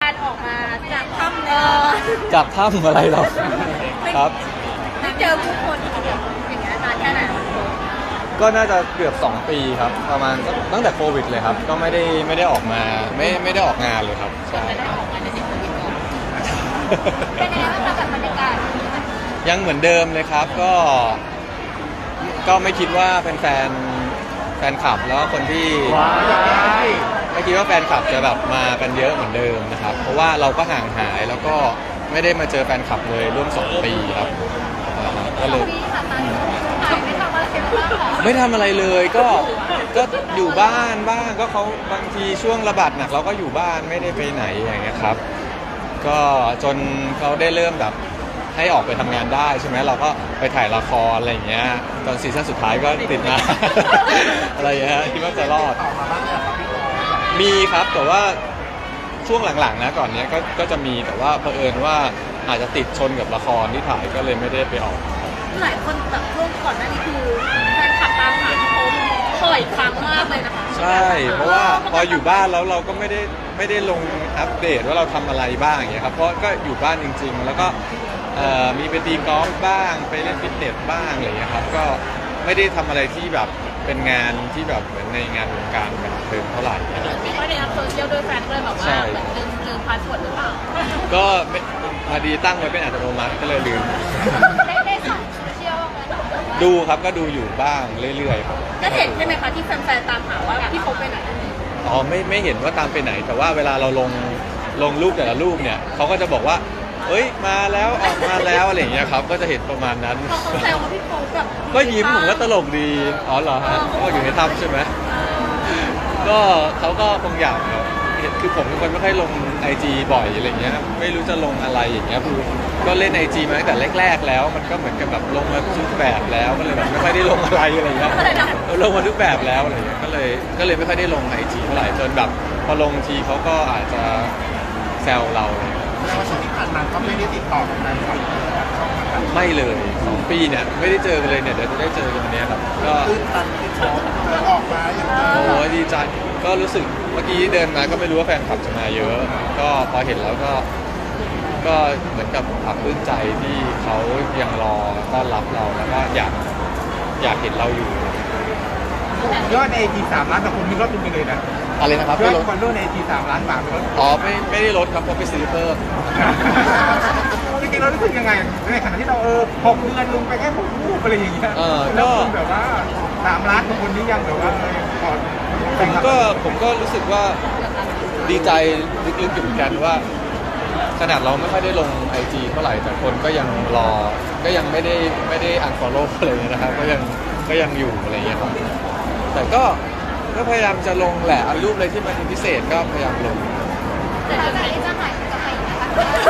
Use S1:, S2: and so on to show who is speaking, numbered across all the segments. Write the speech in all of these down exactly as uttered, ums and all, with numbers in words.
S1: การออกมาจากถ้ำเออ
S2: จากถ้ำอะไรเราครับ
S1: ไม่เจอผู้คนอย่างเงี้ยนานแค่ไหน
S2: ก็น่าจะเกือบสองปีครับประมาณตั้งแต่โควิดเลยครับก็ไม่ได้ไม่ได้ออกมาไม่ไม่ได้ออกงานเลยครับใช่
S1: ไม่ได้ออกมาในสิ่งที่ก่อนเป็นยังไงบ้างคะแบบบรรยากาศ
S2: ยังเหมือนเดิมเลยครับก็ก็ไม่คิดว่าแฟนแฟนแฟนคลับแล้วก็คนที่ไม่คิดว่าแฟนคลับจะแบบมากันเยอะเหมือนเดิมนะครับเพราะว่าเราก็ห่างหายแล้วก็ไม่ได้มาเจอแฟนคลับเลยร่วมสองปีครับอ่าก็เลย
S1: ปีค่ะตอนหายไม่ทำอะไรกันบ้างคะ
S2: ไม่ทำอะไรเลยก็ก็อยู่บ้านบ้างก็เขาบางทีช่วงระบาดหนักเราก็อยู่บ้านไม่ได้ไปไหนอย่างเงี้ยครับก็จนเขาได้เริ่มแบบให้ออกไปทำงานได้ใช่ไหมเราก็ไปถ่ายละครอะไรอย่างเงี้ยตอนซีซั่นสุดท้ายก็ติดมา อะไรอย่างเงี้ยคิดว่าจะรอดมีครับแต่ว่าช่วงหลังๆนะก่อนเนี้ยก็ก็จะมีแต่ว่าเผอิญว่าอาจจะติดชนกับละครที่ถ่ายก็เลยไม่ได้ไปออก
S1: หลายคนแบบช่วงก่อนหน้านี้คือแฟนคลับตามหาพี่โป๊ปบ่อยครั้งมากเลยนะคะ
S2: ใช่เพราะว่าพออยู่บ้านแล้วเราก็ไม่ได้ไม่ได้ลงอัปเดตว่าเราทำอะไรบ้างอย่างเงี้ยครับเพราะก็อยู่บ้านจริงๆแล้วก็เอ่อมีไปตีกอล์ฟบ้างไปเล่นฟิตเนสบ้างอะไรเงี้ยครับก็ไม่ได้ทำอะไรที่แบบเป็นงานที่แบบเหมือนในงานวงการบันเทิงเท่าไหร่นะครับ
S1: ไม่ค่อยได้อัพโซเชียลด้วยแฟนเลยแบบว่า
S2: ใช่
S1: เหมือนลืมลืมพาสเวิร์ดหรือเปล่า
S2: ก็ไม่พอดีตั้งไว้เป็นอัตโนมัติก็เลยลืม
S1: ได้ได้ส่องโซเชียลบ้างไหม
S2: ดูครับก็ดูอยู่บ้างเรื่อยๆครับ
S1: ก็เห็นใช่ไหมคะที่แฟนๆตามหาว่าพี่โป๊ปไปไหน
S2: อ๋อไม่ไม่เห็นว่าตามไปไหน แต่ว่าเวลาเราลงลงรูปแต่ละรูปเนี่ยเขาก็จะบอกว่าเอ้ยมาแล้วออกมาแล้วอะไรอย่างเงี้ยครับก็จะเห็นประมาณนั้น
S1: พอเขาแซวว่าพี่โป๊ปแบบ
S2: ก็ยิ้มผมก็ตลกดีอ๋อเหรอฮะก็อยู่ในถ้ำใช่ไหมก็เขาก็คงอยากครับเห็นคือผมเป็นคนไม่ค่อยลงไอจีบ่อยอะไรเงี้ยไม่รู้จะลงอะไรอย่างเงี้ยคือก็เล่นไอจีมาตั้งแต่แรกๆแล้ว มันก็เหมือนกับแบบลงมาทุกแบบแล้วก็เลยแบบไม่ค่อยได้ลงอะไรอะไรเงี้ยลงมาทุกแบบแล้วอะไรเงี้ยก็เลยก็เลยไม่ค่อยได้ลงไอจีเท่าไหร่จนแบบพอลงทีเขาก็อาจจะแซวเรา
S3: แล้วช่วงที่ผ่านมาก็ไม่ได้ติดต่อกับแฟนคลับเลยช่องทางการ
S2: ไม่เลยสองปีเนี่ยไม่ได้เจอกันเลยเนี่ยเดี๋ยวจะได้เจอกันวันเนี้ยครับก็
S3: ตื้นตันที่เขาเดินออกมาอย่างนี้
S2: โอ้ดีใจก็รู้สึกเมื่อกี้เดินมาก็ไม่รู้ว่าแฟนคลับจะมาเยอะ ก็พอเห็นแล้วก็ก็เหมือนกับปลาบปลื้มใจที่เขายังรอต้อนรับเราแล้วก็อยากอยากเห็นเราอยู่
S3: ยอดในไอจีสามล้านแต่คนมีรถเป็นไปเลยนะ
S2: อะไรนะครับ
S3: ย
S2: ไม่
S3: อด
S2: ลด
S3: คนรู้ในไอจีสามล้านบาทเป็นรถ
S2: อ๋อไม่ไม่ได้ลดครับเพราะไปซื้อเพิ่ม
S3: จริงๆเรารู้สึกยังไงในขณะที่เราเออหกเดือนลงไปแค่หกรูปอะไรอย่างเงี้ย
S2: เออ
S3: แล้ว
S2: ก็
S3: คนแบบว่าสามล้านของคนนี้ยังแบบว่าเออพอ
S2: ผมก็ผมก็รู้สึกว่าดีใจลึกๆอยู่เหมือนกันว่าขนาดเราไม่ค่อยได้ลงไอจีเท่าไหร่แต่คนก็ยังรอก็ยังไม่ได้ไม่ได้อันฟอลโล่อะไรเลยนะครับก็ยังก็ยังอยู่อะไรอย่างเงี้ยครับแต่ก็ก็พยายามจะลงแหละเอารูปอะไรที่มันพิเศษก็พยายามลง
S1: แต่จากนี้จะหายจะไปนะคะ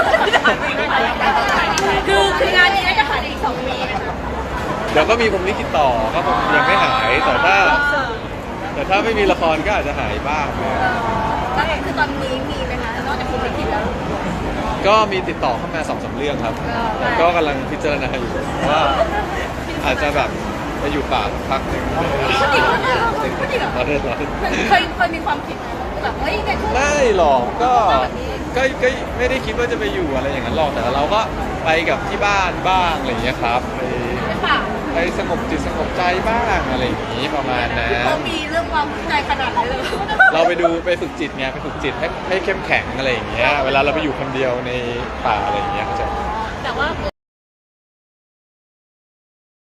S1: คือคืองานนี้น่าจะหายในอีกสองปีนะคะ
S2: เดี๋ยวก็มีผมลิขิตต่อก็ผมยังไม่หายแต่ถ้าแต่ถ้าไม่มีละครก็อาจจะหายบ้างนะ
S1: แล้วคือตอนนี้มีไหมคะนอกจากคุณไปคิดแล้ว
S2: ก็มีติดต่อเข้ามาสองสามเรื่องครับแต่ก็กำลังพิจารณาอยู่ว่าอาจจะแบบไปอยู่ป่าสักพักหนึ่ง
S1: พูดจริงพูดจริงเหรอ
S2: เราเล่นเรา
S1: เคยเคยมีความคิดไหมแบบเฮ้ยในช่วง
S2: ไม่หรอกก็ก็ก็ไม่ได้คิดว่าจะไปอยู่อะไรอย่างนั้นหรอกแต่เราก็ไปกับที่บ้านบ้างอะไรอย่างเงี้ยครับไป
S1: เป็นเปล่า
S2: ไปสงบจิตสงบใจบ้างอะไรอย่างงี้ประมาณนั้น
S1: เขามีเรื่องความใจขนาดนั้นเลย
S2: เราไปดูไปฝึกจิตไงไปฝึกจิตให้ให้เข้มแข็งอะไรอย่างเงี้ยเวลาเราไปอยู่คนเดียวในป่าอะไรอย่างเงี้ยเขาใจะ
S1: แต่ว่า